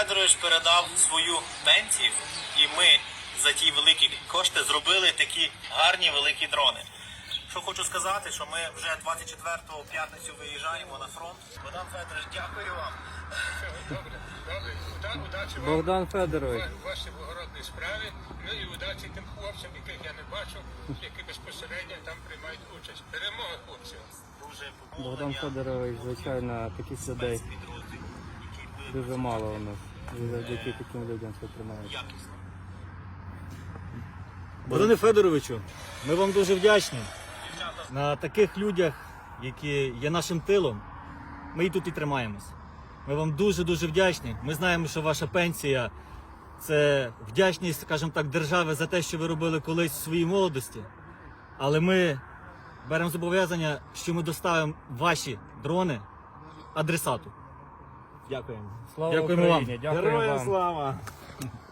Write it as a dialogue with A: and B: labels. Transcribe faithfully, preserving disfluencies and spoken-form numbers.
A: Федорович передав свою пенсію, і ми за ті великі кошти зробили такі гарні великі дрони. Що хочу сказати, що ми вже двадцять четвертого в п'ятницю виїжджаємо на фронт. Богдан Федорович, дякую вам.
B: Добре, добре. Уда- Удачі вам
C: Богдан Федорович.
B: у вашій благородній справі. Ну і удачі тим хлопцям, яких я не бачу, які безпосередньо там приймають участь. Перемога хлопців.
A: Дуже
C: Богдан
A: помолення.
C: Федорович, звичайно, таких людей
A: Спецпідрозділ, який ви
C: дуже мало у нас. І завдяки таким людям це тримається.
A: якісно.
D: Богдане Федоровичу, ми вам дуже вдячні. На таких людях, які є нашим тилом, ми і тут і тримаємось. Ми вам дуже-дуже вдячні. Ми знаємо, що ваша пенсія – це вдячність, скажімо так, держави за те, що ви робили колись в своїй молодості. Але ми беремо зобов'язання, що ми доставимо ваші дрони адресату. Дякуємо.
C: Слава
D: Дякуємо вам.
C: Україні! Дякую
D: Героям
C: вам.
D: слава!